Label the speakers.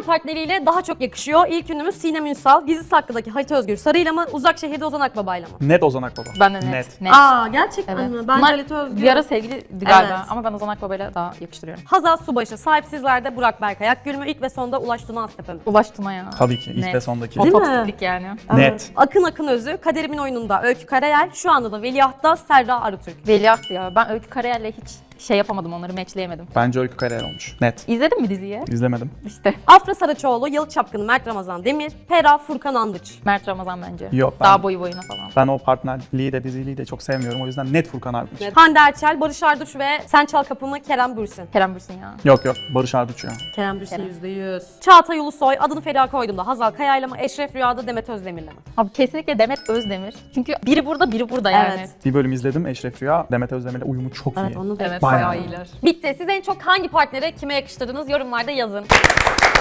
Speaker 1: partneriyle daha çok yakışıyor? İlk ünlümüz Sinem Ünsal, Gizli Saklı'daki Halit Özgür Sarı'yla mı? Uzak Şehir'de Ozan Akbaba'yla mı?
Speaker 2: Net Ozan Akbaba.
Speaker 3: Ben de net. Net.
Speaker 1: Aa gerçekten
Speaker 3: Evet.
Speaker 1: mi? Bence
Speaker 3: Bunlar
Speaker 1: Halit Özgür.
Speaker 3: bir ara sevgiliydi galiba
Speaker 1: Evet.
Speaker 3: ama ben Ozan Akbaba'yla daha yakıştırıyorum.
Speaker 1: Hazal Subaşı, Sahipsizler'de Burak Berkay Akgül mü? İlk ve sonda Ulaş Tuna Aztepe mi?
Speaker 3: Ulaş Tuna ya.
Speaker 2: Tabii ki ilk
Speaker 3: Net.
Speaker 2: ve sondaki.
Speaker 1: Değil mi?
Speaker 3: Otopsiklik yani.
Speaker 2: Net.
Speaker 1: Akın Akın Özü, Kaderimin Oyununda Öykü Karayel, şu anda da Veliaht'ta Serra Arıtürk.
Speaker 3: Veliaht ya. Ben Öykü Karayel'le hiç şey yapamadım, onları matchleyemedim.
Speaker 2: Bence Öykü Karayel olmuş. Net.
Speaker 3: İzledin mi diziyi?
Speaker 2: İzlemedim.
Speaker 3: İşte.
Speaker 1: Afra Saraçoğlu, Yalı Çapkını Mert Ramazan Demir, Pera Furkan Andıç.
Speaker 3: Mert Ramazan bence.
Speaker 2: Yok, ben-
Speaker 3: Daha boyu boyuna falan.
Speaker 2: Ben o partnerliği de diziliği de çok sevmiyorum. O yüzden net Furkan Arduç.
Speaker 1: Hande Erçel, Barış Arduç ve Sen Çal Kapımı Kerem Bürsin.
Speaker 3: Kerem Bürsin ya.
Speaker 2: Yok Barış Arduç ya.
Speaker 1: Kerem Bürsin
Speaker 3: Kerem.
Speaker 1: %100. Çağatay Ulusoy, Adını Feriha Koydum'da Hazal Kaya'yla mı? Eşref Rüya'da Demet Özdemir'le mi?
Speaker 3: Abi kesinlikle Demet Özdemir. Çünkü biri burada, biri burada yani.
Speaker 1: Evet.
Speaker 2: Bir bölüm izledim Eşref Rüya. Demet Özdemir'le uyumu çok
Speaker 1: Evet
Speaker 2: iyi.
Speaker 1: onu da.
Speaker 3: Evet,
Speaker 2: Bayağı
Speaker 3: bayağı
Speaker 2: iyi.
Speaker 3: iyiler.
Speaker 1: Bitti. Siz en çok hangi partnere kime yakıştırdınız? Yorumlarda yazın.